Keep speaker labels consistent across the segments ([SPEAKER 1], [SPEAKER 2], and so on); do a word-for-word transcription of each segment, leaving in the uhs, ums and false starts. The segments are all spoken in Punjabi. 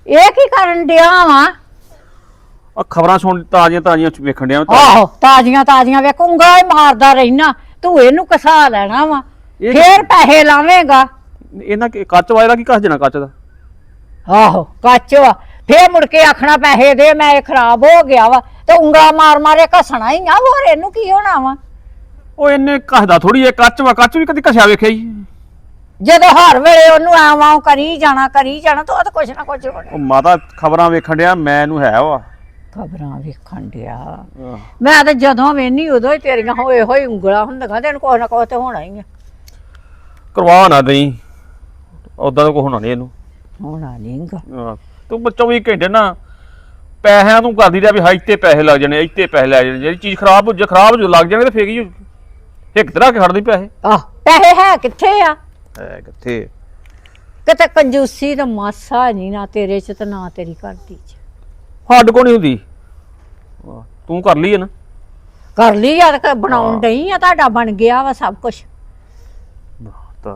[SPEAKER 1] ਇਹ ਕੀ ਕਰਨ ਡਿਆ ਵਾ?
[SPEAKER 2] ਆ ਖਬਰਾਂ ਸੁਣ ਤਾਜ਼ੀਆਂ ਤਾਜ਼ੀਆਂ ਵੇਖਣ ਡਿਆ ਮੈਂ।
[SPEAKER 1] ਆਹੋ ਤਾਜ਼ੀਆਂ ਤਾਜ਼ੀਆਂ ਵੇਖੂੰਗਾ ਹੀ ਮਾਰਦਾ ਰਹਿਣਾ ਤੂੰ ਇਹਨੂੰ ਕਸਾ ਲੈਣਾ ਵਾ
[SPEAKER 2] ਇਹ
[SPEAKER 1] ਫੇਰ ਪੈਸੇ ਲਾਵੇਂਗਾ।
[SPEAKER 2] ਇਹਨਾਂ ਕੀ ਕੱਚ ਵਾਲਾ ਕੀ ਕੱਸ ਦੇਣਾ ਕੱਚ ਦਾ?
[SPEAKER 1] ਆਹੋ ਕੱਚ ਵਾ ਫੇਰ ਮੁੜ ਕੇ ਆਖਣਾ ਪੈਸੇ ਦੇ ਮੈਂ ਇਹ ਖਰਾਬ ਹੋ ਗਿਆ ਵਾ ਤੇ ਉਂਗਲਾ ਮਾਰ ਮਾਰੇ ਘਸਣਾ ਹੀ ਆ ਹੋਰ ਇਹਨੂੰ ਕੀ ਹੋਣਾ ਵਾ।
[SPEAKER 2] ਉਹ ਇਹਨੇ ਕੱਸਦਾ ਥੋੜੀ ਇਹ ਕੱਚ ਵਾ ਕੱਚ ਵੀ ਕਦੀ ਘਸਿਆ ਵੇਖਿਆ ਹੀ।
[SPEAKER 1] ਜਦੋਂ ਹਰ ਵੇਲੇ ਉਹਨੂੰ ਆਵਾਂ ਕਰੀ ਜਾਣਾ ਕਰੀ ਜਾਣਾ ਤਾਂ ਉਹ ਤਾਂ ਕੁਛ ਨਾ ਕੁਛ ਹੋਣਾ।
[SPEAKER 2] ਉਹ ਮਾਤਾ ਖਬਰਾਂ ਵੇਖਣ ਡਿਆ ਮੈਂ ਇਹਨੂੰ ਹੈ ਵਾ
[SPEAKER 1] ਖਬਰਾਂ ਵੇਖਣ ਡਿਆ ਮੈਂ ਤਾਂ ਜਦੋਂ ਵੇਨੀ ਉਦੋਂ ਹੀ ਤੇਰੀਆਂ ਹੋਏ ਹੋਏ ਉਂਗਲਾਂ ਹੁੰਦੀਆਂ ਤੈਨੂੰ ਕੁਛ ਨਾ ਕੁਛ ਤੇ ਹੋਣਾ ਹੀ ਆ।
[SPEAKER 2] ਕਰਵਾ ਨਾ ਦਈ ਉਦਾਂ ਦਾ ਕੁਛ ਹੋਣਾ ਨਹੀਂ ਇਹਨੂੰ।
[SPEAKER 1] ਹੋਣਾ ਨਹੀਂਗਾ
[SPEAKER 2] ਆਹ, ਤੂੰ ਚੌਵੀ ਘੰਟੇ ਨਾ ਪੈਸਿਆਂ ਤੂੰ ਕਰਦੀ ਰਿਹਾ ਵੀ ਹਾਂ ਇੱਥੇ ਪੈਸੇ ਲੱਗ ਜਾਣੇ ਇੱਥੇ ਪੈਸੇ ਲੱਗ ਜਾਣੇ ਜਿਹੜੀ ਚੀਜ਼ ਖਰਾਬ ਹੋ ਜਾ ਖਰਾਬ ਹੋ ਲੱਗ ਜਾਣੇ ਤੇ ਫੇਰ ਕੀ ਇੱਕ ਤਰ੍ਹਾਂ ਕੇ ਖੜਦੀ ਪੈਸੇ।
[SPEAKER 1] ਆਹ ਪੈਸੇ ਹੈ ਕਿੱਥੇ ਆ?
[SPEAKER 2] ਹੈ ਕਿੱਥੇ?
[SPEAKER 1] ਕਿਤੇ ਕੰਜੂਸੀ ਤਾਂ ਮਾਸਾ ਨਹੀਂ ਨਾ ਤੇਰੇ ਚ ਤੇ ਨਾ ਤੇਰੀ ਘਰਦੀ ਚ।
[SPEAKER 2] ਹੱਡ ਕੋ ਨਹੀਂ ਹੁੰਦੀ ਆਹ, ਤੂੰ ਕਰ ਲਈ ਹੈ ਨਾ।
[SPEAKER 1] ਕਰ ਲਈ ਆ ਤੇ ਬਣਾਉਣ ਡਈ ਆ ਤੁਹਾਡਾ ਬਣ ਗਿਆ ਵਾ ਸਭ ਕੁਝ।
[SPEAKER 2] ਤਾਂ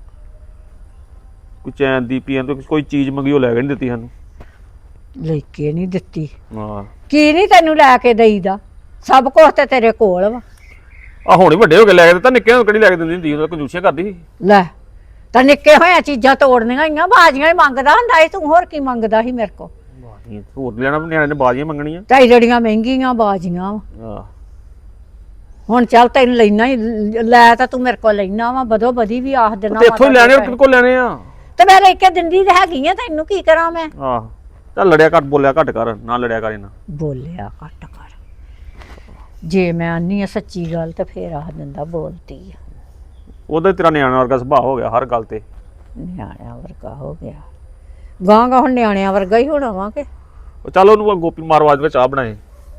[SPEAKER 2] ਕੋਈ ਚੈਨ ਦੀ ਪੀਣ ਤੋਂ ਕੋਈ ਚੀਜ਼ ਮੰਗੀ ਉਹ ਲੈ ਕੇ ਨਹੀਂ ਦਿੱਤੀ ਸਾਨੂੰ।
[SPEAKER 1] ਲੈ ਕੇ ਨਹੀਂ ਦਿੱਤੀ
[SPEAKER 2] ਹਾਂ
[SPEAKER 1] ਕੀ ਨਹੀਂ ਤੈਨੂੰ ਲੈ ਕੇ ਦੇਈਦਾ ਸਭ ਕੁਝ ਤੇ ਤੇਰੇ ਕੋਲ ਵਾ।
[SPEAKER 2] ਆ ਹੁਣ ਹੀ ਵੱਡੇ ਹੋ ਕੇ ਲੈ ਕੇ ਦਿੱਤਾ ਨਿੱਕੇ ਨੂੰ ਕਿਹੜੀ ਲੈ ਕੇ ਦਿੰਦੀ ਹੁੰਦੀ ਉਹ ਕੰਜੂਸੀਆਂ ਕਰਦੀ ਸੀ।
[SPEAKER 1] ਲੈ ਤਾਂ ਨਿੱਕੇ ਹੋਇਆ ਚੀਜ਼ਾਂ ਤੋੜਨੀਆਂ ਹੀ ਆ ਬਾਜੀਆਂ ਹੀ ਮੰਗਦਾ ਹੁੰਦਾ ਸੀ ਤੂੰ ਹੋਰ ਕੀ ਮੰਗਦਾ ਸੀ ਮੇਰੇ ਕੋਲ?
[SPEAKER 2] ਬਾਜ਼ੀਆਂ ਹੋਰ ਲੈਣਾ ਨਿਆਣੇ ਨੇ ਬਾਜ਼ੀਆਂ ਮੰਗਣੀਆਂ।
[SPEAKER 1] ਢਾਈ ਜਿਹੜੀਆਂ ਮਹਿੰਗੀਆਂ ਬਾਜੀਆਂ ਵਾ
[SPEAKER 2] ਆਹ
[SPEAKER 1] ਹੁਣ ਚੱਲ ਤੈਨੂੰ ਲੈਣਾ ਹੀ ਲੈ ਤਾਂ ਤੂੰ ਮੇਰੇ ਕੋਲ ਲੈਣਾ ਵਾ ਬਦੋ ਬਦੀ ਵੀ ਆਖ ਦੇਣਾ
[SPEAKER 2] ਤੇ ਇੱਥੋਂ ਹੀ ਲੈਣੇ ਕਿਹਦੇ ਕੋਲ ਲੈਣੇ ਆ?
[SPEAKER 1] ਤੇ ਮੈਂ ਲੈ ਕੇ ਦਿੰਦੀ ਤੇ ਹੈਗੀ ਆ ਤੈਨੂੰ ਕੀ ਕਰਾਂ ਮੈਂ?
[SPEAKER 2] ਆਹ ਚੱਲ ਲੜਿਆ ਘੱਟ ਬੋਲਿਆ ਘੱਟ ਕਰ ਨਾ ਲੜਿਆ ਕਰ ਇਹਨਾਂ।
[SPEAKER 1] ਬੋਲਿਆ ਘੱਟ ਕਰ ਜੇ ਮੈਂ ਆਨੀ ਆ ਸੱਚੀ ਗੱਲ ਤਾਂ ਫੇਰ ਆਖ ਦਿੰਦਾ ਬੋਲਤੀ ਆ।
[SPEAKER 2] ਉਹਦਾ ਤੇਰਾ ਨਿਆਣਾ ਵਰਗਾ ਸੁਭਾਅ ਹੋ ਗਿਆ ਹਰ ਗੱਲ ਤੇ।
[SPEAKER 1] ਨਿਆਣਿਆਂ ਵਰਗਾ ਹੋ ਗਿਆ ਗਾਂ ਗਾਂ ਹੁਣ ਨਿਆਣਿਆਂ ਵਰਗਾ ਹੀ ਹੋਣਾ ਵਾ ਕਿ?
[SPEAKER 2] ਉਹ ਚੱਲ ਉਹਨੂੰ ਗੋਪੀ ਮਾਰਵਾਜ ਵਿੱਚ ਚਾਹ ਬਣਾਏ।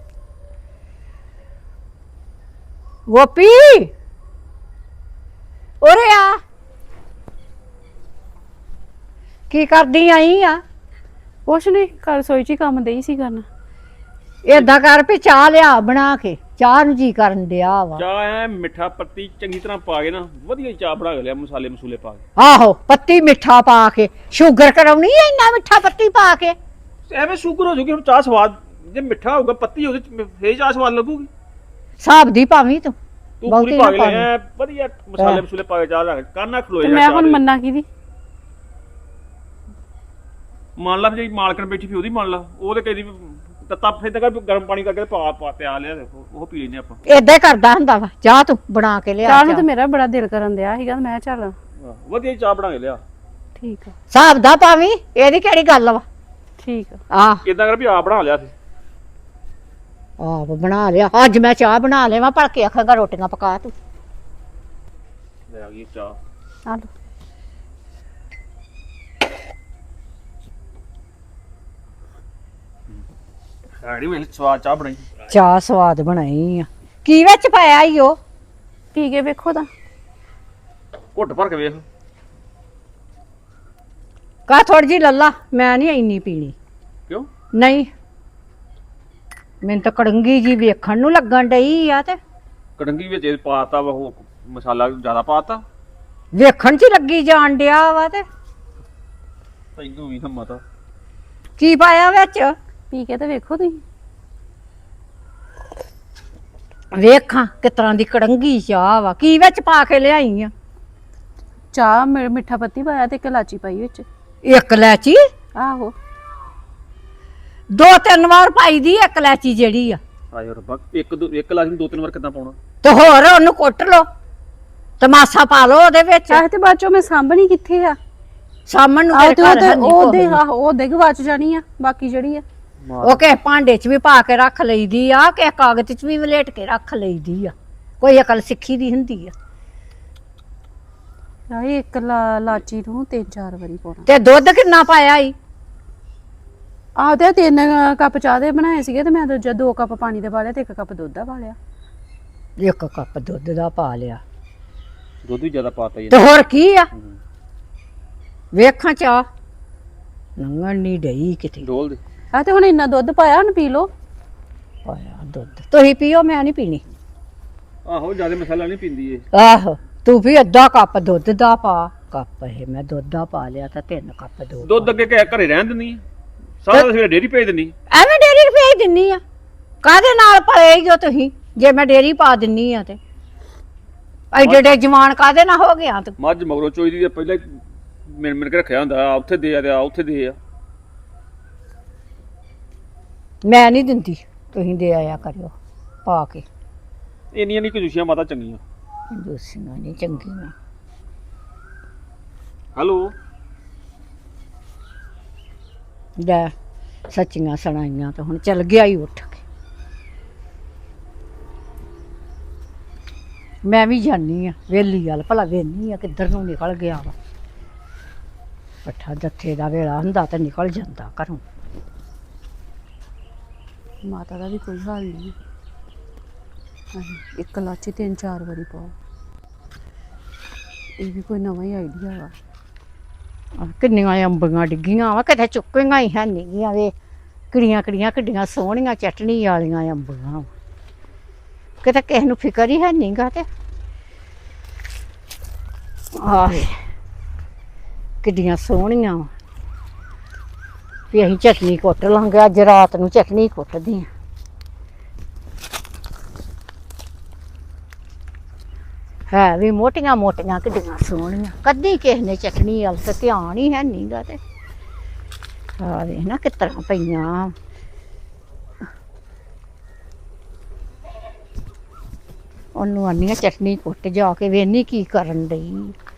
[SPEAKER 1] ਗੋਪੀ ਉਰੇ ਆ ਕੀ ਕਰਦੀ ਆਈ ਆ?
[SPEAKER 3] ਕੁਛ ਨਹੀਂ ਘਰ ਰਸੋਈ 'ਚ ਹੀ ਕੰਮ ਦਈ ਸੀ ਕਰਨ।
[SPEAKER 1] ਏਦਾਂ ਕਰ ਵੀ ਚਾਹ ਲਿਆ ਬਣਾ ਕੇ ਚਾਹ ਨੂੰ ਜੀ ਕਰਨ ਡਿਆ ਵਾ।
[SPEAKER 2] ਚਾਹ ਐ ਮਿੱਠਾ ਪੱਤੀ ਚੰਗੀ ਤਰ੍ਹਾਂ ਪਾ ਕੇ ਨਾ ਵਧੀਆ ਚਾਹ ਬਣਾ ਕੇ ਲਿਆ ਮਸਾਲੇ ਮਸੂਲੇ ਪਾ ਕੇ।
[SPEAKER 1] ਆਹੋ ਪੱਤੀ ਮਿੱਠਾ ਪਾ ਕੇ ਸ਼ੂਗਰ ਕਰਾਉਣੀ ਐ ਇੰਨਾ ਮਿੱਠਾ ਪੱਤੀ ਪਾ ਕੇ?
[SPEAKER 2] ਐਵੇਂ ਸ਼ੂਗਰ ਹੋ ਜੂਗੀ ਹੁਣ ਚਾਹ ਸਵਾਦ ਜੇ ਮਿੱਠਾ ਹੋਊਗਾ ਪੱਤੀ ਉਹਦੇ ਚ ਫੇਰ ਚਾਹ ਸਵਾਦ ਲੱਗੂਗੀ।
[SPEAKER 1] ਹਿਸਾਬ ਦੀ ਭਾਵੀਂ ਤੂੰ
[SPEAKER 2] ਤੂੰ ਪੂਰੀ ਪਾ ਕੇ ਲਿਆ ਵਧੀਆ ਮਸਾਲੇ ਮਸੂਲੇ ਪਾ ਕੇ ਚਾਹ ਰੱਖ ਕਾਨਾ ਖਲੋਏ
[SPEAKER 3] ਤੇ ਮੈਂ ਹੁਣ ਮੰਨਾ ਕਿਹਦੀ?
[SPEAKER 2] ਮੰਨ ਲਾ ਜੇ ਮਾਲਕਣ ਬੈਠੀ ਫੀ ਉਹਦੀ ਮੰਨ ਲਾ ਉਹ ਤੇ ਕਹਿੰਦੀ ਤੱਤਾ ਫੇਰ ਤੱਕ ਗਰਮ ਪਾਣੀ ਕਰਕੇ ਪਾ ਪਾ ਪਿਆ ਲਿਆ ਦੇਖੋ ਉਹ ਪੀ ਲੈਨੇ ਆਪਾਂ।
[SPEAKER 1] ਏਦਾਂ ਹੀ ਕਰਦਾ ਹੁੰਦਾ ਵਾ ਚਾਹ ਤੂੰ ਬਣਾ ਕੇ ਲਿਆ
[SPEAKER 3] ਚਾਹ ਨੂੰ ਤੇ ਮੇਰਾ ਬੜਾ ਦਿਲ ਕਰਨ ਦਿਆ ਸੀਗਾ ਮੈਂ ਚੱਲ
[SPEAKER 2] ਵਧੀਆ ਚਾਹ ਬਣਾ ਕੇ ਲਿਆ।
[SPEAKER 3] ਠੀਕ ਆ
[SPEAKER 1] ਹਿਸਾਬ ਦਾ ਭਾਵੀਂ ਇਹਦੀ ਕਿਹੜੀ ਗੱਲ ਵਾ?
[SPEAKER 3] ਠੀਕ ਆ
[SPEAKER 1] ਆਹ
[SPEAKER 2] ਇਦਾਂ ਕਰ ਵੀ ਆਪ ਬਣਾ ਲਿਆ ਸੀ।
[SPEAKER 1] ਆਪ ਬਣਾ ਲਿਆ ਅੱਜ ਮੈਂ ਚਾਹ ਬਣਾ ਲਿਆ ਭੜ ਕੇ ਆਖਾਂਗਾ ਰੋਟੀਆਂ ਪਕਾ ਤੂੰ।
[SPEAKER 2] ਲੈ ਆ ਗਈ ਚਾਹ।
[SPEAKER 3] ਆ ਲਓ
[SPEAKER 2] ਸਾੜੀ ਵੇਲੇ ਸਵਾਦ ਚਾਹ ਬਣਾਈ।
[SPEAKER 1] ਚਾਹ ਸਵਾਦ ਬਣਾਈ ਆ ਕੀ ਵਿੱਚ ਪਾਇਆ ਈ ਉਹ?
[SPEAKER 3] ਪੀ ਕੇ ਵੇਖੋ ਤਾਂ
[SPEAKER 2] ਘੁੱਟ ਭਰ ਕੇ ਵੇਖ।
[SPEAKER 1] ਕਾ ਥੋੜੀ ਜੀ ਲੱਲਾ ਮੈਂ ਨਹੀਂ ਇੰਨੀ ਪੀਣੀ।
[SPEAKER 2] ਕਿਉਂ?
[SPEAKER 1] ਨਹੀਂ ਮੈਨੂੰ ਤਾਂ ਕੜੰਗੀ ਜੀ ਵੇਖਣ ਨੂੰ ਲੱਗਣ ਡਈ ਆ ਤੇ
[SPEAKER 2] ਕੜੰਗੀ ਵਿੱਚ ਇਹ ਪਾਤਾ ਵਾ ਉਹ ਮਸਾਲਾ ਜ਼ਿਆਦਾ ਪਾਤਾ
[SPEAKER 1] ਵੇਖਣ ਚ ਹੀ ਲੱਗੀ ਜਾਣ ਡਿਆ ਵਾ ਤੇ
[SPEAKER 2] ਤੈਨੂੰ ਵੀ ਹਿੰਮਤ ਆ।
[SPEAKER 1] ਕੀ ਪਾਇਆ ਵਿੱਚ?
[SPEAKER 3] ਪੀ ਕੇ ਤਾਂ ਵੇਖੋ ਤੁਸੀਂ
[SPEAKER 1] ਵੇਖਾਂ ਕਿਸ ਤਰ੍ਹਾਂ ਦੀ ਕੜੰਗੀ ਚਾਹ ਵਾ ਕੀ ਵਿੱਚ ਪਾ ਕੇ ਲਿਆਈ ਆ?
[SPEAKER 3] ਚਾਹ ਮਿ- ਮਿੱਠਾ ਪੱਤੀ ਪਾਇਆ ਤੇ ਇੱਕ ਇਲਾਚੀ ਪਾਈ ਵਿੱਚ।
[SPEAKER 1] ਇੱਕ ਲੈਚੀ
[SPEAKER 3] ਆਹੋ
[SPEAKER 1] ਦੋ ਤਿੰਨ ਵਾਰ ਪਾਈ ਦੀ ਇੱਕ ਲੈਚੀ ਜਿਹੜੀ ਆ
[SPEAKER 2] ਆਏ ਰੱਬਾ ਇੱਕ ਦੋ ਇੱਕ ਲਾਜ਼ਮੀ ਦੋ ਤਿੰਨ ਵਾਰ ਕਿੱਦਾਂ ਪਾਉਣਾ?
[SPEAKER 1] ਤੇ ਹੋਰ ਉਹਨੂੰ ਕੁੱਟ ਲੋ ਤਮਾਸਾ ਪਾ ਲੋ ਉਹਦੇ ਵਿੱਚ
[SPEAKER 3] ਚਾਹ ਤੇ ਬਾਅਦ ਚੋਂ ਮੈਂ ਸਾਂਭਣੀ ਕਿੱਥੇ ਆ?
[SPEAKER 1] ਸਾਹਮਣ ਨੂੰ
[SPEAKER 3] ਆਹ
[SPEAKER 1] ਤੇਰੇ
[SPEAKER 3] ਤੇ ਉਹ
[SPEAKER 1] ਘਰ
[SPEAKER 3] ਤੇ
[SPEAKER 1] ਹੈ ਨੀ
[SPEAKER 3] ਉਹ ਦੇ
[SPEAKER 1] ਕੋਈ।
[SPEAKER 3] ਆਹ ਉਹ ਦੇ ਗਵਾਚ ਜਾਣੀ ਆ ਬਾਕੀ ਜਿਹੜੀ ਆ
[SPEAKER 1] ਉਹ ਕਿਸੇ ਭਾਂਡੇ 'ਚ ਵੀ ਪਾ ਕੇ ਰੱਖ ਲਈਦੀ ਆ ਕਿਸੇ ਕਾਗਜ਼ 'ਚ ਵੀ ਵਲੇਟ ਕੇ ਰੱਖ ਲਈਦੀ ਆ ਕੋਈ ਅਕਲ ਸਿੱਖੀ ਦੀ ਹੁੰਦੀ ਆ।
[SPEAKER 3] ਆਹ ਇੱਕ ਲਾ- ਲਾਚੀ ਨੂੰ ਤਿੰਨ ਚਾਰ ਵਾਰੀ ਪਾਉਣਾ।
[SPEAKER 1] ਤੇ ਦੁੱਧ ਕਿੰਨਾ ਪਾਇਆ ਈ?
[SPEAKER 3] ਆਹ ਤੇ ਤਿੰਨ ਕੱਪ ਚਾਹ ਦੇ ਬਣਾਏ ਸੀਗੇ ਤੇ ਮੈਂ ਦੂਜਾ ਦੋ ਕੱਪ ਪਾਣੀ ਦੇ ਪਾ ਲਿਆ ਤੇ ਇੱਕ ਕੱਪ ਦੁੱਧ ਦਾ ਪਾ ਲਿਆ।
[SPEAKER 1] ਇੱਕ ਕੱਪ ਦੁੱਧ ਦਾ ਪਾ ਲਿਆ
[SPEAKER 2] ਦੁੱਧ ਵੀ ਜ਼ਿਆਦਾ ਪਾਤਾ ਜੀ।
[SPEAKER 1] ਤੇ ਹੋਰ ਕੀ ਆ? ਵੇਖਾਂ ਚਾਹ ਲੰਘਣ ਨਹੀਂ ਡਈ ਕਿਤੇ।
[SPEAKER 2] ਡੋਲ ਦੇ।
[SPEAKER 3] ਆਹ ਤੇ ਹੁਣ ਇੰਨਾ ਦੁੱਧ ਪਾਇਆ ਹੁਣ ਪੀ ਲਓ।
[SPEAKER 1] ਪਾਇਆ ਦੁੱਧ ਤੁਸੀਂ ਪੀਓ ਮੈਂ ਨਹੀਂ ਪੀਣੀ।
[SPEAKER 2] ਆਹੋ ਜ਼ਿਆਦਾ ਮਸਾਲਾ ਨਹੀਂ ਪੀਂਦੀ ਏ।
[SPEAKER 1] ਆਹੋ ਤੂੰ ਵੀ ਅੱਧਾ ਕੱਪ ਦੁੱਧ ਦਾ ਪਾ ਕੱਪ ਇਹ ਮੈਂ ਦੁੱਧ ਦਾ ਪਾ ਲਿਆ ਤਾਂ ਤਿੰਨ ਕੱਪ ਦੁੱਧ
[SPEAKER 2] ਦੁੱਧ ਅੱਗੇ ਘਰੇ ਰਹਿਣ ਦਿੰਦੀ ਆ। ਸਾਰਾ ਸਵੇਰੇ ਡੇਰੀ ਭੇਜ ਦਿੰਦੀ।
[SPEAKER 1] ਐਵੇਂ ਡੇਰੀ ਭੇਜ ਦਿੰਨੀ ਆ, ਕਾਹਦੇ ਨਾਲ ਪਲੇ ਜੋ ਤੁਸੀਂ ਜੇ ਮੈਂ ਡੇਰੀ ਪਾ ਦਿੰਨੀ ਆ ਤੇ ਐਡੇ ਐਡੇ ਜਵਾਨ ਕਾਹਦੇ ਨਾਲ ਹੋ ਗਿਆ ਤੂੰ।
[SPEAKER 2] ਮੱਝ ਮਗਰੋਂ ਚੋਈ ਦੀ ਪਹਿਲਾਂ ਮਿਣ ਮਿਣ ਕੇ ਰੱਖਿਆ ਹੁੰਦਾ, ਆ ਉੱਥੇ ਦੇ ਆ ਤੇ ਆ ਉੱਥੇ ਦੇ ਆ।
[SPEAKER 1] ਮੈਂ ਨਹੀਂ ਦਿੰਦੀ, ਤੁਸੀਂ ਦੇ ਆਇਆ ਕਰਿਓ ਪਾ ਕੇ।
[SPEAKER 2] ਇੰਨੀਆਂ ਨਹੀਂ ਕੰਜੂਸੀਆਂ ਮਾਤਾ ਚੰਗੀਆਂ।
[SPEAKER 1] ਦੂਸੀਆਂ ਨਹੀਂ ਚੰਗੀਆਂ।
[SPEAKER 2] ਹੈਲੋ
[SPEAKER 1] ਲੈ ਸੱਚੀਆਂ ਸੁਣਾਈਆਂ ਤਾਂ ਹੁਣ ਚੱਲ ਗਿਆ ਹੀ ਉੱਠ ਕੇ। ਮੈਂ ਵੀ ਜਾਨੀ ਆ ਵੇਲੀ ਵਾਲ, ਭਲਾ ਵੇਨੀ ਆ ਕਿੱਧਰ ਨੂੰ ਨਿਕਲ ਗਿਆ ਵਾ। ਪੱਠਾ ਜੱਥੇ ਦਾ ਵੇਲਾ ਹੁੰਦਾ ਤਾਂ ਨਿਕਲ ਜਾਂਦਾ ਘਰੋਂ।
[SPEAKER 3] ਮਾਤਾ ਦਾ ਵੀ ਕੋਈ ਹਾਲ ਨਹੀਂ। ਇੱਕ ਲਾਚੀ ਤਿੰਨ ਚਾਰ ਵਾਰੀ ਪਾਓ, ਇਹ ਵੀ ਕੋਈ ਨਵਾਂ ਹੀ ਆਈਡੀਆ ਵਾ।
[SPEAKER 1] ਆਹ ਕਿੰਨੀਆਂ ਅੰਬੀਆਂ ਡਿੱਗੀਆਂ ਵਾ, ਕਿਤੇ ਚੁੱਕੀਆਂ ਹੀ ਹੈ ਨਹੀਂ ਵੇ। ਕਿੜੀਆਂ ਕਿੜੀਆਂ ਕਿੱਡੀਆਂ ਸੋਹਣੀਆਂ ਚਟਣੀ ਵਾਲੀਆਂ ਅੰਬੀਆਂ ਵਾ, ਕਿਤੇ ਕਿਸੇ ਨੂੰ ਫਿਕਰ ਹੀ ਹੈ ਨਹੀਂਗਾ। ਤੇ ਆਹ ਕਿੱਡੀਆਂ ਸੋਹਣੀਆਂ ਵਾ ਵੀ ਅਸੀਂ ਚਟਨੀ ਕੁੱਟ ਲਾਂਗੇ। ਅੱਜ ਰਾਤ ਨੂੰ ਚਟਨੀ ਕੁੱਟਦੀ ਆ। ਹੈ ਵੀ ਮੋਟੀਆਂ ਮੋਟੀਆਂ ਕਿੱਡੀਆਂ ਸੋਹਣੀਆਂ, ਕਦੀ ਕਿਸੇ ਨੇ ਚਟਨੀ ਵੱਲ ਤੇ ਧਿਆਨ ਹੀ ਹੈ ਨਹੀਂਗਾ। ਤੇ ਆ ਵੇਖ ਨਾ ਕਿਸ ਤਰ੍ਹਾਂ ਪਈਆਂ। ਉਹਨੂੰ ਆਨੀ ਆ ਚਟਨੀ ਕੁੱਟ, ਜਾ ਕੇ ਵੇਖਨੀ ਕੀ ਕਰਨ ਡਈ।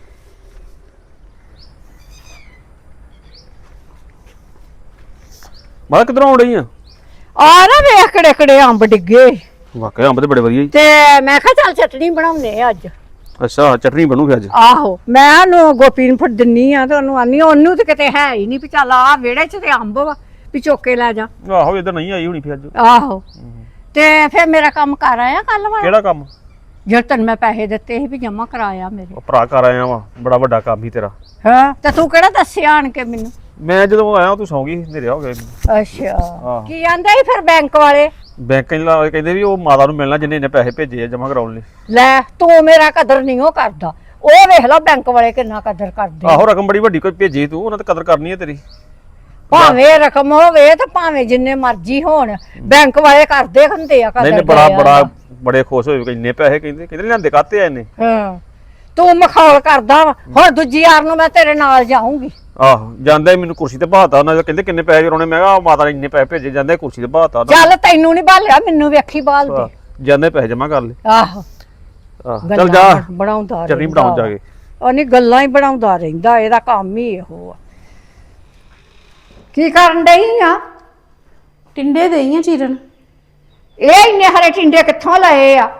[SPEAKER 2] ਮਾਤਾ ਕਿੱਧਰੋਂ ਆਉਣ ਡਈ ਆ?
[SPEAKER 1] ਆ ਨਾ ਵੇਖ ਕਿਹੜੇ ਕਿਹੜੇ ਅੰਬ ਡਿੱਗੇ।
[SPEAKER 2] ਵਾਕਿਆ ਅੰਬ ਤੇ ਬੜੇ ਵਧੀਆ ਜੀ।
[SPEAKER 1] ਤੇ ਮੈਂ ਕਿਹਾ ਚੱਲ ਚਟਨੀ ਬਣਾਉਨੇ ਆ ਅੱਜ।
[SPEAKER 2] ਅੱਛਾ ਚਟਨੀ ਬਣੂ ਫਿਰ ਅੱਜ?
[SPEAKER 1] ਆਹੋ ਮੈਂ ਉਹਨੂੰ ਗੋਪੀ ਨੂੰ ਫੜ ਦਿੰਨੀ ਆ ਤੇ ਉਹਨੂੰ ਆਨੀ, ਉਹਨੂੰ ਤੇ ਕਿਤੇ ਹੈ ਹੀ ਨਹੀਂ ਵੀ ਚੱਲ ਆ ਵਿਹੜੇ ਚ ਤੇ ਅੰਬ ਵਾ ਵੀ ਚੁੱਕ ਕੇ ਲੈ ਜਾ।
[SPEAKER 2] ਆਹੋ ਇੱਧਰ ਨਹੀਂ ਆਈ ਹੋਣੀ ਫਿਰ ਅੱਜ।
[SPEAKER 1] ਆਹੋ ਤੇ ਫਿਰ ਮੇਰਾ ਕੰਮ ਕਰ ਆਇਆ ਕੱਲ ਵਾਲਾ,
[SPEAKER 2] ਕਿਹੜਾ ਕੰਮ?
[SPEAKER 1] ਜਿਹੜਾ ਤੈਨੂੰ ਮੈਂ ਪੈਸੇ ਦਿੱਤੇ ਸੀ ਵੀ ਜਮਾ ਕਰਾਇਆ ਮੇਰੇ।
[SPEAKER 2] ਉਹ ਭਰਾ ਕਰ ਆਇਆ ਵਾ, ਬੜਾ ਵੱਡਾ ਕੰਮ ਹੀ ਤੇਰਾ।
[SPEAKER 1] ਹਾਂ ਤੇ ਤੂੰ ਕਿਹੜਾ ਦੱਸਿਆ ਆਣ ਕੇ ਮੈਨੂੰ?
[SPEAKER 2] ਮੈਂ ਜਦੋਂ ਆਇਆ ਤੂੰ ਸੌਂ ਗਈ, ਹਨੇਰੇ ਹੋ ਗਏ।
[SPEAKER 1] ਅੱਛਾ ਕੀ ਆਂਦਾ ਸੀ ਫਿਰ ਬੈਂਕ ਵਾਲੇ?
[SPEAKER 2] ਬੈਂਕ ਵਾਲੇ ਕਹਿੰਦੇ ਵੀ ਉਹ ਮਾਤਾ ਨੂੰ ਮਿਲਣਾ ਜਿੰਨੇ ਇਹਨੇ ਪੈਸੇ ਭੇਜੇ ਆ ਜਮਾ ਕਰਾਉਣ ਲਈ।
[SPEAKER 1] ਲੈ ਤੂੰ ਮੇਰਾ ਕਦਰ ਨਹੀਂ ਉਹ ਕਰਦਾ, ਉਹ ਵੇਖ ਲਓ ਬੈਂਕ ਵਾਲੇ ਕਿੰਨਾ ਕਦਰ ਕਰਦੇ।
[SPEAKER 2] ਆਹੋ ਰਕਮ ਬੜੀ ਵੱਡੀ ਕੋਈ ਭੇਜੀ ਤੂੰ, ਉਹਨਾਂ ਤੇ ਕਦਰ ਕਰਨੀ ਹੈ ਤੇਰੀ।
[SPEAKER 1] ਭਾਵੇਂ ਰਕਮ ਹੋਵੇ ਤੇ ਭਾਵੇਂ ਜਿੰਨੇ ਮਰਜ਼ੀ ਹੋਣ, ਬੈਂਕ ਵਾਲੇ ਕਰਦੇ ਹੁੰਦੇ ਆ ਕਦਰ।
[SPEAKER 2] ਨਹੀਂ ਨਹੀਂ ਬੜਾ ਬੜਾ ਬੜੇ ਖੁਸ਼ ਹੋਏ, ਇੰਨੇ ਪੈਸੇ ਕਹਿੰਦੇ ਕਹਿੰਦੇ ਲਿਆਂਦੇ ਕਾਤੇ ਆ ਇਹਨੇ।
[SPEAKER 1] ਹਾਂ ਤੂੰ ਮਖੌਲ ਕਰਦਾ ਵਾ। ਹੁਣ ਦੂਜੀ ਯਾਰ ਨੂੰ ਮੈਂ ਤੇਰੇ ਨਾਲ ਜਾਊਂਗੀ।
[SPEAKER 2] ਆਹੋ ਜਾਂਦਾ ਹੀ ਮੈਨੂੰ ਕੁਰਸੀ ਤੇ ਬਹਾਤਾ ਉਹਨਾਂ, ਕਹਿੰਦੇ ਕਿੰਨੇ ਪੈਸੇ ਜਰੋਣੇ। ਮੈਂ ਕਿਹਾ ਮਾਤਾ ਨੇ ਇੰਨੇ ਪੈਸੇ ਭੇਜੇ, ਜਾਂਦੇ ਕੁਰਸੀ ਤੇ ਬਹਾਤਾ ਉਹਨਾਂ।
[SPEAKER 1] ਚੱਲ ਤੈਨੂੰ ਨਹੀਂ ਭਾਲਿਆ, ਮੈਨੂੰ ਵੇਖੀ ਬਾਲ ਦੇ।
[SPEAKER 2] ਜਾਂਦੇ ਪੈਸੇ ਜਮਾ ਕਰ ਲੈ।
[SPEAKER 1] ਆਹੋ
[SPEAKER 2] ਆਹ ਚੱਲ ਜਾ
[SPEAKER 1] ਬਣਾਉਂਦਾ
[SPEAKER 2] ਚਟਨੀ ਬਣਾਉਣ ਜਾ ਕੇ।
[SPEAKER 1] ਉਹ ਨਹੀਂ ਗੱਲਾਂ ਹੀ ਬਣਾਉਂਦਾ ਰਹਿੰਦਾ, ਇਹਦਾ ਕੰਮ ਹੀ ਇਹੋ ਆ। ਕੀ ਕਰਨ ਡਈ ਆ?
[SPEAKER 3] ਟਿੰਡੇ ਦੇਈਆਂ ਚੀਰਨ।
[SPEAKER 1] ਇਹ ਇੰਨੇ ਹਰੇ ਟਿੰਡੇ ਕਿੱਥੋਂ ਲਏ ਆ?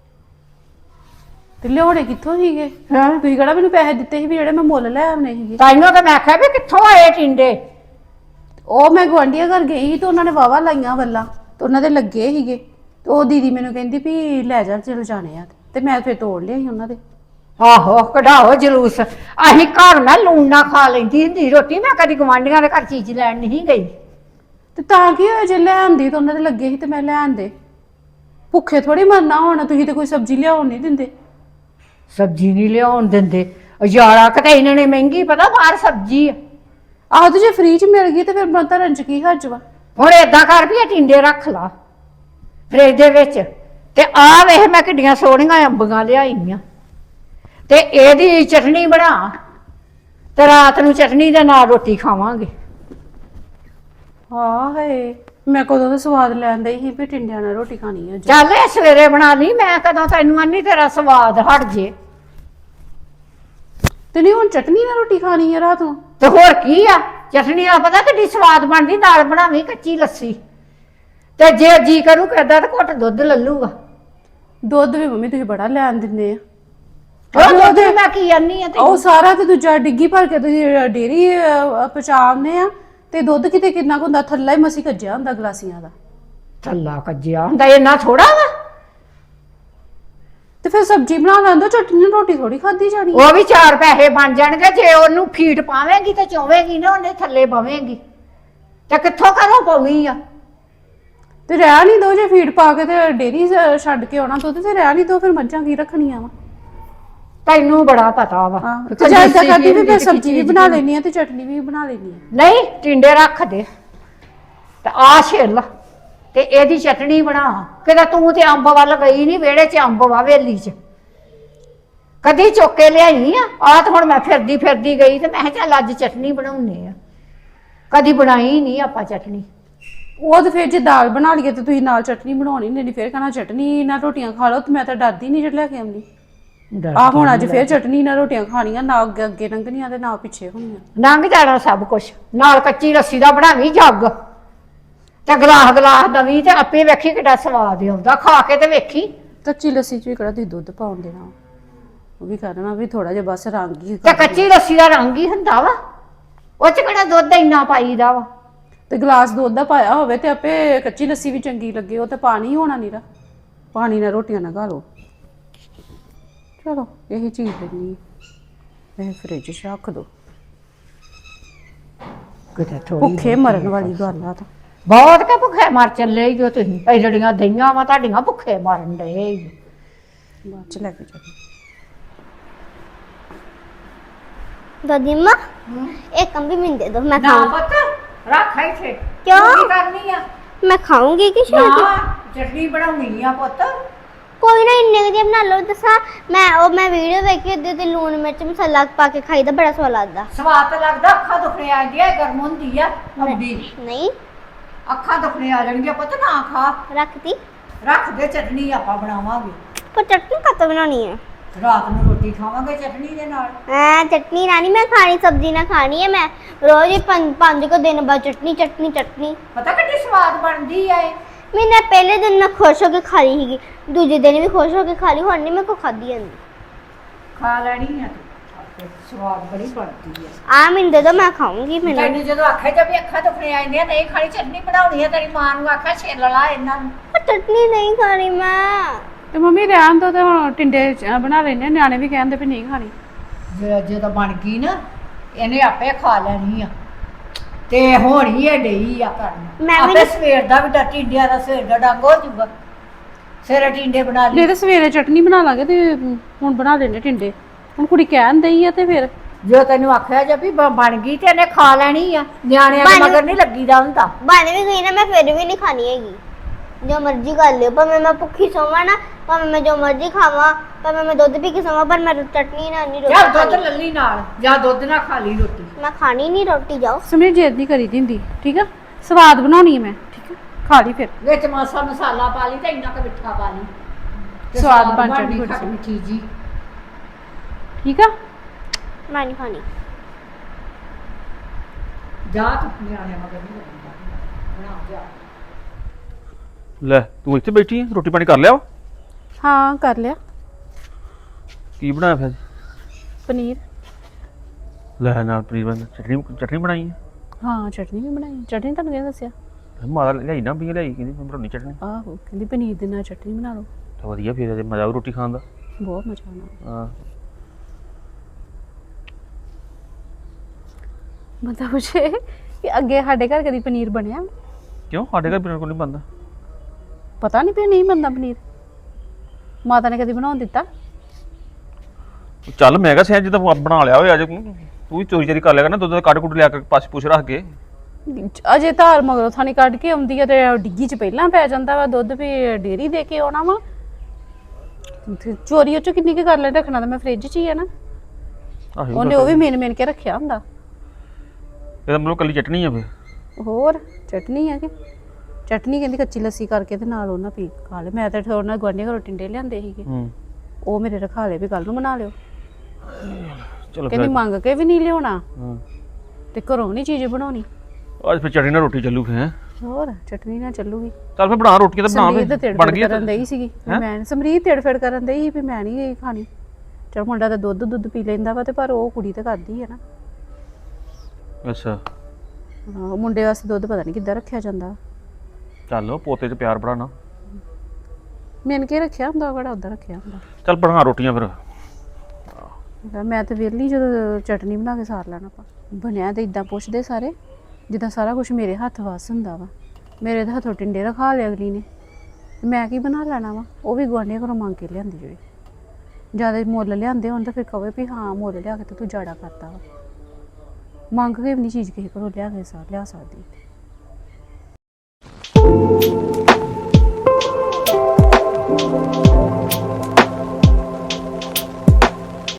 [SPEAKER 3] ਤੇ ਲਿਆਉਣੇ ਕਿੱਥੋਂ ਸੀਗੇ?
[SPEAKER 1] ਹਾਂ
[SPEAKER 3] ਤੁਸੀਂ ਕਿਹੜਾ ਮੈਨੂੰ ਪੈਸੇ ਦਿੱਤੇ ਸੀ ਵੀ ਜਿਹੜੇ ਮੈਂ ਮੁੱਲ ਲੈ ਆਉਣੇ ਸੀਗੇ?
[SPEAKER 1] ਤਾਈਓ ਤਾਂ ਮੈਂ ਆਖਿਆ ਵੀ ਕਿੱਥੋਂ ਆਏ ਟਿੰਡੇ।
[SPEAKER 3] ਉਹ ਮੈਂ ਗੁਆਂਢੀਆਂ ਘਰ ਗਈ ਸੀ ਤੇ ਉਹਨਾਂ ਨੇ ਵਾਵਾ ਲਾਈਆਂ ਵੱਲਾਂ ਤੇ ਉਹਨਾਂ ਦੇ ਲੱਗੇ ਸੀਗੇ ਤੇ ਉਹ ਦੀਦੀ ਮੈਨੂੰ ਕਹਿੰਦੀ ਵੀ ਲੈ ਜਾ ਚਲ ਜਾਣੇ ਆ ਤੇ ਮੈਂ ਫਿਰ ਤੋੜ ਲਿਆ ਸੀ ਉਹਨਾਂ ਦੇ।
[SPEAKER 1] ਆਹੋ ਕਢਾਓ ਜਲੂਸ। ਅਸੀਂ ਘਰ ਮੈਂ ਲੂਣ ਨਾ ਖਾ ਲੈਂਦੀ ਹੁੰਦੀ ਰੋਟੀ, ਮੈਂ ਕਦੀ ਗੁਆਂਢੀਆਂ ਦੇ ਘਰ ਚੀਜ਼ ਲੈਣ ਨਹੀਂ ਗਈ।
[SPEAKER 3] ਤੇ ਤਾਂ ਕੀ ਹੋਇਆ ਜੇ ਲੈ ਆਂਦੀ ਤਾਂ ਉਹਨਾਂ ਦੇ ਲੱਗੇ ਸੀ ਤੇ ਮੈਂ ਲੈ ਆਂਦੇ। ਭੁੱਖੇ ਥੋੜੀ ਮਰਨਾ ਹੁਣ, ਤੁਸੀਂ ਤੇ ਕੋਈ ਸਬਜ਼ੀ ਲਿਆਉਣ ਨਹੀਂ ਦਿੰਦੇ।
[SPEAKER 1] ਸਬਜ਼ੀ ਨਹੀਂ ਲਿਆਉਣ ਦਿੰਦੇ ਯਾਰਾ, ਕਿਤੇ ਇਹਨਾਂ ਨੇ ਮਹਿੰਗੀ ਪਤਾ ਬਾਹਰ ਸਬਜ਼ੀ ਆ।
[SPEAKER 3] ਆਹੋ ਤੇ ਜੇ ਫ੍ਰੀ ਚ ਮਿਲ ਗਈ ਤੇ ਫਿਰ ਮੈਂ ਧਰਨ ਚ ਕੀ ਹੱਜ ਵਾ।
[SPEAKER 1] ਹੁਣ ਏਦਾਂ ਕਰ ਵੀ ਇਹ ਟਿੰਡੇ ਰੱਖ ਲਾ ਫ੍ਰਿਜ ਦੇ ਵਿੱਚ, ਤੇ ਆਹ ਵੇਖ ਮੈਂ ਕਿੱਡੀਆਂ ਸੋਹਣੀਆਂ ਅੰਬੀਆਂ ਲਿਆਈਆਂ, ਤੇ ਇਹਦੀ ਚਟਨੀ ਬਣਾ ਤੇ ਰਾਤ ਨੂੰ ਚਟਨੀ ਦੇ ਨਾਲ ਰੋਟੀ ਖਾਵਾਂਗੇ।
[SPEAKER 3] ਹਾਂ ਹੈ ਮੈਂ ਕਦੋਂ ਦਾ ਸਵਾਦ ਲੈਂਦਾ ਹੀ ਵੀ ਟਿੰਡਿਆਂ ਨਾਲ ਰੋਟੀ ਖਾਣੀ ਹੈ।
[SPEAKER 1] ਚੱਲ ਇਹ ਸਵੇਰੇ ਬਣਾ ਲਈ, ਮੈਂ ਕਦੋਂ ਤੈਨੂੰ ਆਨੀ ਤੇਰਾ ਸਵਾਦ ਹਟ ਜੇ।
[SPEAKER 3] ਤੇ ਨਹੀਂ ਹੁਣ ਚਟਨੀ ਨਾਲ ਰੋਟੀ ਖਾਣੀ ਹੈ ਰਾਤ ਨੂੰ?
[SPEAKER 1] ਤੇ ਹੋਰ ਕੀ ਆ, ਚਟਨੀ ਦਾ ਪਤਾ ਕਿੱਡੀ ਸਵਾਦ ਬਣਦੀ। ਨਾਲ ਬਣਾਵੀਂ ਕੱਚੀ ਲੱਸੀ, ਤੇ ਜੇ ਜੀ ਕਰੂ ਕਰਦਾ ਤਾਂ ਘੁੱਟ ਦੁੱਧ ਲੱਲੂਗਾ।
[SPEAKER 3] ਦੁੱਧ ਵੀ ਮੰਮੀ ਤੁਸੀਂ ਬੜਾ ਲੈਣ ਦਿੰਦੇ ਆ।
[SPEAKER 1] ਉਹ ਦੁੱਧ ਵੀ ਮੈਂ ਕੀ ਆਨੀ ਆ
[SPEAKER 3] ਉਹ ਸਾਰਾ ਤੇ ਦੂਜਾ ਡਿੱਗੀ ਭਰ ਕੇ ਤੁਸੀਂ ਡੇਰੀ ਪਚਾਉਂਦੇ ਆ ਤੇ ਦੁੱਧ ਕਿਤੇ ਕਿੰਨਾ ਕੁ ਹੁੰਦਾ, ਥੱਲਾ ਹੀ ਮਸੀ ਕੱਜਿਆ ਹੁੰਦਾ ਗਲਾਸੀਆਂ ਦਾ।
[SPEAKER 1] ਥੱਲਾ ਕੱਜਿਆ ਹੁੰਦਾ, ਇੰਨਾ ਥੋੜਾ ਵਾ।
[SPEAKER 3] ਤੇ ਫਿਰ ਸਬਜ਼ੀ ਬਣਾ ਲੈਂਦਾ, ਚਟਨੀ ਨਾਲ ਰੋਟੀ ਥੋੜੀ ਖਾਦੀ ਜਾਣੀ।
[SPEAKER 1] ਉਹ ਵੀ ਚਾਰ ਪੈਸੇ ਬਣ ਜਾਣਗੇ ਜੇ ਉਹਨੂੰ ਫੀਡ ਪਾਵੇਂਗੀ ਤੇ ਚੋਵੇਂਗੀ ਨਾ, ਉਹਨੇ ਥੱਲੇ ਪਵੇਂਗੀ ਤੇ ਕਿੱਥੋਂ ਘਰੋਂ ਪਾਉਣੀ ਆ।
[SPEAKER 3] ਤੇ ਰਹਿ ਨਹੀਂ ਦੋ, ਜੇ ਫੀਡ ਪਾ ਕੇ ਤੇ ਡੇਰੀ ਛੱਡ ਕੇ ਆਉਣਾ ਦੁੱਧ ਤੇ ਰਹਿ ਨਹੀਂ ਦੋ, ਫਿਰ ਮੱਝਾਂ ਕੀ ਰੱਖਣੀਆਂ ਵਾ।
[SPEAKER 1] ਤੈਨੂੰ ਬੜਾ ਪਤਾ ਵਾ।
[SPEAKER 3] ਤੇ ਜਾਂ ਇਦਾਂ ਕਰਦੀ ਵੀ ਮੈਂ ਸਬਜ਼ੀ ਵੀ ਬਣਾ ਲੈਣੀ ਆ ਤੇ ਚਟਨੀ ਵੀ ਬਣਾ ਲੈਣੀ ਆ।
[SPEAKER 1] ਨਹੀਂ ਟਿੰਡੇ ਰੱਖ ਦੇ, ਤੇ ਆ ਛਿੱਲ ਤੇ ਇਹਦੀ ਚਟਣੀ ਬਣਾ। ਕਿਤੇ ਤੂੰ ਤੇ ਅੰਬ ਵੱਲ ਗਈ ਨਹੀਂ, ਵਿਹੜੇ 'ਚ ਅੰਬ ਵਾ ਵੇਲੀ 'ਚ, ਕਦੀ ਚੁੱਕ ਕੇ ਲਿਆਈ ਆ। ਆ ਤਾਂ ਹੁਣ ਮੈਂ ਫਿਰਦੀ ਫਿਰਦੀ ਗਈ ਤੇ ਮੈਂ ਕਿਹਾ ਚੱਲ ਅੱਜ ਚਟਣੀ ਬਣਾਉਣੇ ਆ, ਕਦੀ ਬਣਾਈ ਨਹੀਂ ਆਪਾਂ ਚਟਣੀ।
[SPEAKER 3] ਉਹ ਤੇ ਫਿਰ ਜੇ ਦਾਲ ਬਣਾ ਲਈਏ ਤੇ ਤੁਸੀਂ ਨਾਲ ਚਟਨੀ ਬਣਾਉਣੀ ਨਹੀਂ, ਫਿਰ ਕਹਿਣਾ ਚਟਨੀ ਨਾਲ ਰੋਟੀਆਂ ਖਾ ਲਓ। ਤੇ ਮੈਂ ਤਾਂ ਡਰਦੀ ਨਹੀਂ ਜਿਹੜਾ ਲੈ ਕੇ ਆਉਂਦੀ। ਆ ਹੁਣ ਅੱਜ ਫਿਰ ਚਟਨੀ ਨਾਲ ਰੋਟੀਆਂ ਖਾਣੀਆਂ, ਨਾ ਅੱਗੇ ਅੱਗੇ ਲੰਘਣੀਆਂ ਤੇ ਨਾ ਪਿੱਛੇ ਹੋਣੀਆਂ।
[SPEAKER 1] ਲੰਘ ਜਾਣਾ ਸਭ ਕੁਛ। ਨਾਲ ਕੱਚੀ ਲੱਸੀ ਦਾ ਬਣਾਵੀਂ ਜੱਗ ਤੇ ਗਲਾਸ ਗਲਾਸ ਦਵੀਂ ਤੇ ਆਪੇ ਵੇਖੀ ਕਿੱਡਾ ਸਵਾਦ ਆਉਂਦਾ, ਖਾ ਕੇ ਤੇ ਵੇਖੀ।
[SPEAKER 3] ਕੱਚੀ ਲੱਸੀ 'ਚ ਵੀ ਕਿਹੜਾ ਤੁਸੀਂ ਦੁੱਧ ਪਾਉਣ ਦੇਣਾ, ਉਹ ਵੀ ਕਰਨਾ ਵੀ ਥੋੜਾ ਜਿਹਾ ਬਸ ਰੰਗ ਹੀ
[SPEAKER 1] ਤੇ ਕੱਚੀ ਲੱਸੀ ਦਾ ਰੰਗ ਹੀ ਹੁੰਦਾ ਵਾ, ਉਹ 'ਚ ਕਿਹੜਾ ਦੁੱਧ ਇੰਨਾ ਪਾਈਦਾ ਵਾ।
[SPEAKER 3] ਤੇ ਗਲਾਸ ਦੁੱਧ ਦਾ ਪਾਇਆ ਹੋਵੇ ਤੇ ਆਪੇ ਕੱਚੀ ਲੱਸੀ ਵੀ ਚੰਗੀ ਲੱਗੇ। ਉਹ ਤੇ ਪਾਣੀ ਹੋਣਾ ਨੀਰਾ, ਪਾਣੀ ਨਾਲ ਰੋਟੀਆਂ ਨਾ ਖਾ ਲਓ। ਚਲੋ ਇਹੀ ਚੀਜ਼ ਲੈਣੀ ਇਹ ਫ੍ਰਿਜ 'ਚ ਰੱਖ ਦੋ।
[SPEAKER 1] ਕਿਤੇ ਥੋੜੀ
[SPEAKER 3] ਭੁੱਖੇ ਮਰਨ ਵਾਲੀ ਗੱਲ ਆ ਤਾਂ।
[SPEAKER 1] ਬਹੁਤ ਕੇ ਭੁੱਖੇ ਮਰ ਚੱਲੇ ਹੀ ਜੋ ਤੁਸੀਂ, ਇਹ ਜਿਹੜੀਆਂ ਦਈਆਂ ਵਾ ਤੁਹਾਡੀਆਂ ਭੁੱਖੇ ਮਰਨ ਡਏ ਈ।
[SPEAKER 3] ਬਾਅਦ 'ਚ ਲੈ ਕੇ ਚੱਲ।
[SPEAKER 4] दादी अम्मा एक कम भी मिल दे दो, मैं
[SPEAKER 1] ਨਾ
[SPEAKER 4] खाऊं।
[SPEAKER 1] ਪੁੱਤ ਰੱਖ ਇੱਥੇ।
[SPEAKER 4] ਕਿਉਂ?
[SPEAKER 1] ਤੂੰ ਕੀ ਕਰਨੀ ਆ?
[SPEAKER 4] मैं खाऊंगी कि
[SPEAKER 1] ਨਾ
[SPEAKER 4] शायद
[SPEAKER 1] ਚਟਨੀ ਬਣਾਉਣੀ ਆ ਪੁੱਤ।
[SPEAKER 4] कोई ना इन्ने के बना लो। दसा मैं ओ मैं वीडियो देखी ओदे ते लून मिर्च मसाला पा के खाई दा बड़ा स्वाद लगदा।
[SPEAKER 1] ਸਵਾਦ ਤਾਂ ਲੱਗਦਾ, ਅੱਖਾਂ ਦੁਖਣੇ ਆ ਜਾਂਦੀਆਂ, ਗਰਮ ਹੁੰਦੀ ਆ ਅੰਬੀ,
[SPEAKER 4] नहीं
[SPEAKER 1] ਅੱਖਾਂ ਦੁਖਣੇ ਆ ਜਾਣਗੀਆਂ ਪੁੱਤ, ਨਾ ਖਾ।
[SPEAKER 4] रखती
[SPEAKER 1] ਰੱਖ ਦੇ, ਚਟਨੀ ਆਪਾਂ ਬਣਾਵਾਂਗੇ।
[SPEAKER 4] पर चटनी कत बनानी है?
[SPEAKER 1] ਰਾਤ ਨੂੰ ਰੋਟੀ ਖਾਵਾਂਗੇ ਚਟਨੀ ਦੇ ਨਾਲ।
[SPEAKER 4] हां चटनी नानी मैं खानी, सब्जी ना खानी है। मैं रोज ही पांच पांच को दिन बाद चटनी चटनी चटनी।
[SPEAKER 1] ਪਤਾ ਕਿੰਨੀ ਸਵਾਦ ਬਣਦੀ ਆ ਇਹ।
[SPEAKER 4] मैंने पहले दिन ना खुश होके खा ली थी, दूसरे दिन भी खुश होके खा ली, हुन नहीं मेरे को खादी जांदी।
[SPEAKER 1] ਖਾ ਲੈਣੀ ਆ ਤੂੰ, ਸਵਾਦ ਬੜੀ ਬਣਦੀ ਆ।
[SPEAKER 4] आ मिल दे दो, मैं खाऊंगी। मैंने
[SPEAKER 1] ਤੈਨੂੰ ਜਦੋਂ ਆਖਿਆ ਜਦ ਵੀ ਅੱਖਾਂ ਦੁਖਣੇ ਆ ਜਾਂਦੀਆਂ ਨਹੀਂ ਖਾਣੀ ਚਟਨੀ ਬਣਾਉਣੀ ਆ, ਤੇਰੀ ਮਾਂ ਨੂੰ ਆਖਿਆ ਛਿੱਲ ਲਾ ਇਹਨਾਂ ਨੂੰ।
[SPEAKER 4] पर चटनी नहीं खानी मैं।
[SPEAKER 3] ਤੇ ਮੰਮੀ ਰਹਿਣ ਦੋ ਤੇ ਹੁਣ ਟਿੰਡੇ ਚ ਬਣਾ ਲੈਣੇ, ਨਿਆਣੇ ਵੀ ਕਹਿੰਦੇ ਵੀ ਨਹੀਂ ਖਾਣੀ।
[SPEAKER 1] ਜੇ ਜਦੋਂ ਬਣ ਗਈ ਨਾ ਇਹਨੇ ਆਪੇ ਖਾ ਲੈਣੀ ਆ ਤੇ ਹੋਣੀ ਇਹ ਡਈ ਆ ਕਰਨ।
[SPEAKER 4] ਮੈਂ ਵੀ
[SPEAKER 1] ਆਪੇ ਸਵੇਰ ਦਾ ਵੀ ਡੱਟੀ ਟਿੰਡਿਆਂ ਦਾ ਸਵੇਰ ਦਾ ਡੰਗ ਹੋ ਜੂਗਾ। ਸਵੇਰੇ ਟਿੰਡੇ ਬਣਾ ਲਈ।
[SPEAKER 3] ਜੇ ਤੇ ਸਵੇਰੇ ਚਟਨੀ ਬਣਾ ਲਾਂਗੇ ਤੇ ਹੁਣ ਬਣਾ ਲੈਣੇ ਟਿੰਡੇ। ਹੁਣ ਕੁੜੀ ਕਹਿਣ ਦਈ ਆ ਤੇ ਫਿਰ
[SPEAKER 1] ਜੋ ਤੈਨੂੰ ਆਖਿਆ ਜੇ ਵੀ ਬ- ਬਣ ਗਈ ਤੇ ਇਹਨੇ ਖਾ ਲੈਣੀ ਆ। ਨਿਆਣਿਆਂ ਦੇ
[SPEAKER 4] ਬਣ-
[SPEAKER 1] ਮਗਰ ਨਹੀਂ ਲੱਗੀਦਾ ਹੁੰਦਾ।
[SPEAKER 4] बन भी गई ना, मैं फिर भी नहीं खानी हैगी। जो मर्जी कर लियो, पर मैं मैं भुखी सोवा ना, पर मैं जो मर्जी खावा, पर मैं मैं दूध पी के सोवा, पर मैं चटनी ना नहीं
[SPEAKER 1] ਜਾਂ
[SPEAKER 4] रोटी
[SPEAKER 1] ਦੁੱਧ
[SPEAKER 4] खानी।
[SPEAKER 1] ਲੱਲੀ ਨਾਲ ਜਾਂ ਦੁੱਧ ਨਾਲ ਖਾ ਲਈ ਰੋਟੀ।
[SPEAKER 4] मैं खानी नहीं रोटी, जाओ।
[SPEAKER 3] ਸਮਝ ਜੇਦ ਨਹੀਂ ਕਰੀ ਦਿੰਦੀ, ਠੀਕ ਆ? ਸਵਾਦ ਬਣਾਉਣੀ ਹੈ ਮੈਂ, ਠੀਕ ਆ? ਖਾ ਲਈ ਫਿਰ।
[SPEAKER 1] ਵਿੱਚ ਮਾਸਾ ਮਸਾਲਾ ਪਾ ਲਈ ਤੇ ਇੰਨਾ ਕੁ ਮਿੱਠਾ ਪਾ ਲਈ ਤੇ
[SPEAKER 3] ਸਵਾਦ ਬਣ
[SPEAKER 1] ਬਣਨੀ
[SPEAKER 3] ਜਾਣੀ
[SPEAKER 1] ਖੱਟ ਮਿੱਠੀ ਜੀ।
[SPEAKER 3] ਠੀਕ ਆ?
[SPEAKER 4] मैं नहीं खानी।
[SPEAKER 1] ਜਾ ਤੂੰ ਨਿਆਣਿਆਂ ਮਗਰ ਨਹੀਂ ਲੱਗੀਦਾ। ਬਣਾ ਜਾ।
[SPEAKER 2] ਲੈ ਤੂੰ ਇੱਥੇ ਬੈਠੀ ਹੈ, ਰੋਟੀ ਪਾਣੀ ਕਰ ਲਿਆ ਵਾ?
[SPEAKER 3] ਹਾਂ ਕਰ ਲਿਆ।
[SPEAKER 2] ਕੀ ਬਣਾਇਆ ਫਿਰ?
[SPEAKER 3] ਪਨੀਰ।
[SPEAKER 2] ਲੈ ਨਾਲ ਪਨੀਰ ਬਣ ਚਟਨੀ ਚਟਨੀ ਬਣਾਈ ਹੈ।
[SPEAKER 3] ਹਾਂ ਚਟਨੀ ਵੀ ਬਣਾਈ। ਚਟਨੀ ਤੁਹਾਨੂੰ ਕਿਹਨੇ ਦੱਸਿਆ?
[SPEAKER 2] ਮਾਤਾ ਲਿਆਈ ਨਾ ਵੀ ਲਿਆਈ, ਕਹਿੰਦੀ ਮੈਂ ਬਣਾਉਣੀ ਚਟਨੀ।
[SPEAKER 3] ਆਹੋ ਕਹਿੰਦੀ ਪਨੀਰ ਦੇ ਨਾਲ ਚਟਨੀ ਬਣਾ ਲਓ,
[SPEAKER 2] ਤਾਂ ਵਧੀਆ, ਫਿਰ ਇਹਦੇ ਮਜ਼ਾ ਆਊ ਰੋਟੀ ਖਾਣ ਦਾ।
[SPEAKER 3] ਬਹੁਤ ਮਜ਼ਾ ਆਉਣਾ।
[SPEAKER 2] ਹਾਂ
[SPEAKER 3] ਮਤਲਬ ਪੁੱਛੇ ਕਿ ਅੱਗੇ ਸਾਡੇ ਘਰ ਕਦੀ ਪਨੀਰ ਬਣਿਆ?
[SPEAKER 2] ਕਿਉਂ ਸਾਡੇ ਘਰ ਪਨੀਰ ਕੋਈ ਨਹੀਂ ਬਣਦਾ?
[SPEAKER 3] ਪਤਾ ਨਹੀਂ ਵੀ ਨਹੀਂ ਬਣਦਾ ਪਨੀਰ। ਮਾਤਾ ਨੇ ਕਦੀ ਬਣਾਉਣ ਦਿੱਤਾ?
[SPEAKER 2] ਚੱਲ ਮੈਂ ਕਿਹਾ ਸਿਆ ਜਿੱਦਾਂ ਬਣਾ ਲਿਆ ਹੋਇਆ ਅੱਜ ਤੂੰ ਵੀ ਚੋਰੀ ਚੋਰੀ ਕਰ ਲਿਆ ਕਰ ਨਾ, ਦੁੱਧ ਦਾ ਕੱਢ ਕੁੱਟ ਲਿਆ ਕੇ ਪਾਸ ਪੁੱਛ ਰੱਖ ਕੇ।
[SPEAKER 3] ਅਜੇ ਧਾਰ ਮਗਰੋਂ ਥਾਣੀ ਕੱਢ ਕੇ ਆਉਂਦੀ ਆ ਤੇ ਡਿੱਗੀ ਚ ਪਹਿਲਾਂ ਪੈ ਜਾਂਦਾ ਵਾ ਦੁੱਧ, ਵੀ ਡੇਰੀ ਦੇ ਕੇ ਆਉਣਾ ਵਾ। ਤੇ ਚੋਰੀ ਉਹ ਚੋਂ ਕਿੰਨੀ ਕੁ ਕਰ ਲੈ, ਰੱਖਣਾ ਤਾਂ ਮੈਂ ਫ੍ਰਿਜ 'ਚ ਹੀ ਆ ਨਾ।
[SPEAKER 2] ਆਹੋ
[SPEAKER 3] ਉਹਨੇ ਉਹ ਵੀ ਮੇਨ ਮੇਨ ਕੇ ਰੱਖਿਆ ਹੁੰਦਾ।
[SPEAKER 2] ਇਹਦਾ ਮਤਲਬ ਕੱਲੀ ਚਟਨੀ ਆ ਫਿਰ?
[SPEAKER 3] ਹੋਰ ਚਟਨੀ ਆ ਕਿ ਚਟਨੀ ਕਹਿੰਦੀ ਕੱਚੀ ਲੱਸੀ ਕਰਕੇ ਤੇ ਨਾਲ ਉਹਨਾਂ ਪੀ ਖਾ ਲੈ। ਮੈਂ ਤਾਂ ਥੋੜਾ ਨਾਲ ਗੁਆਂਢੀਆਂ ਘਰੋਂ ਟਿੰਡੇ ਲਿਆਂਦੇ ਸੀਗੇ,
[SPEAKER 2] ਹੂੰ
[SPEAKER 3] ਉਹ ਮੇਰੇ ਰਖਾ ਲਏ ਵੀ ਕੱਲ ਨੂੰ ਬਣਾ ਲਿਓ।
[SPEAKER 2] ਚਲੋ
[SPEAKER 3] ਕਹਿੰਦੀ
[SPEAKER 2] ਫਿਰ
[SPEAKER 3] ਮੰਗ ਕੇ ਵੀ ਨਹੀਂ ਲਿਆਉਣਾ
[SPEAKER 2] ਹਾਂ
[SPEAKER 3] ਤੇ ਘਰੋਂ ਨਹੀਂ ਚੀਜ਼ ਬਣਾਉਣੀ।
[SPEAKER 2] ਅੱਜ ਫਿਰ ਚਟਨੀ ਨਾਲ ਰੋਟੀ ਚੱਲੂ ਫਿਰ ਹੈਂ?
[SPEAKER 3] ਹੋਰ ਚਟਨੀ ਨਾਲ ਚੱਲੂਗੀ।
[SPEAKER 2] ਚੱਲ ਫਿਰ ਬਣਾ ਰੋਟੀਆਂ ਤਾਂ ਬਣਾ
[SPEAKER 3] ਸਮਰੀਤ
[SPEAKER 2] ਫਿਰ
[SPEAKER 3] ਤੇੜ
[SPEAKER 2] ਬਣ
[SPEAKER 3] ਫੇੜ
[SPEAKER 2] ਗਈ
[SPEAKER 3] ਕਰਨ ਦਈ ਸੀਗੀ ਵੀ
[SPEAKER 2] ਹੈਂ?
[SPEAKER 3] ਮੈਂ ਸਮਰੀਤ ਤੇੜ ਫੇੜ ਕਰਨ ਦਈ ਸੀ ਵੀ ਮੈਂ ਨਹੀਂ ਖਾਣੀ। ਚਲ ਮੁੰਡਾ ਤਾਂ ਦੁੱਧ ਦੁੱਧ ਪੀ ਲੈਂਦਾ ਵਾ ਤੇ ਪਰ ਉਹ ਕੁੜੀ ਤਾਂ ਕਰਦੀ ਹੈ ਨਾ।
[SPEAKER 2] ਅੱਛਾ
[SPEAKER 3] ਹਾਂ ਉਹ ਮੁੰਡੇ ਵਾਸਤੇ ਦੁੱਧ ਪਤਾ ਨਹੀਂ ਕਿੱਦਾਂ ਰੱਖਿਆ ਜਾਂਦਾ।
[SPEAKER 2] ਚੱਲ ਪੋਤੇ 'ਚ ਪਿਆਰ ਬੜਾਣਾ।
[SPEAKER 3] ਮੈਨ ਕੇ ਰੱਖਿਆ ਹੁੰਦਾ, ਕਿਹੜਾ ਉੱਦਾਂ ਰੱਖਿਆ ਹੁੰਦਾ।
[SPEAKER 2] ਚੱਲ ਬਣਾ ਰੋਟੀਆਂ ਫਿਰ।
[SPEAKER 3] ਮੈਂ ਤਾਂ ਵਿਹਲੀ ਜਦੋਂ ਚਟਨੀ ਬਣਾ ਕੇ ਸਾਰ ਲੈਣਾ ਆਪਾਂ। ਬਣਿਆ ਤੇ ਇਦਾਂ ਪੁੱਛਦੇ ਸਾਰੇ ਜਿੱਦਾਂ ਸਾਰਾ ਕੁਝ ਮੇਰੇ ਹੱਥ ਵੱਸ ਹੁੰਦਾ ਵਾ। ਮੇਰੇ ਤਾਂ ਹੱਥੋਂ ਟਿੰਡੇ ਰਖਾ ਲਿਆ ਅਗਲੀ ਨੇ, ਮੈਂ ਕੀ ਬਣਾ ਲੈਣਾ ਵਾ। ਉਹ ਵੀ ਗੁਆਂਢੀਆਂ ਘਰੋਂ ਮੰਗ ਕੇ ਲਿਆਂਦੀ ਜਿਹੜੀ ਜ਼ਿਆਦਾ ਮੁੱਲ ਲਿਆਂਦੇ ਹੋਣ ਤਾਂ ਫਿਰ ਕਹੇ ਵੀ ਹਾਂ ਮੁੱਲ ਲਿਆ ਕੇ ਤੇ ਤੂੰ ਜਾੜਾ ਕਰਤਾ ਵਾ। ਮੰਗ ਕੇ ਵੀ ਨਹੀਂ ਚੀਜ਼ ਕਿਸੇ ਕੋਲੋਂ ਲਿਆ ਕੇ ਸਾਰ ਲਿਆ ਸਕਦੀ।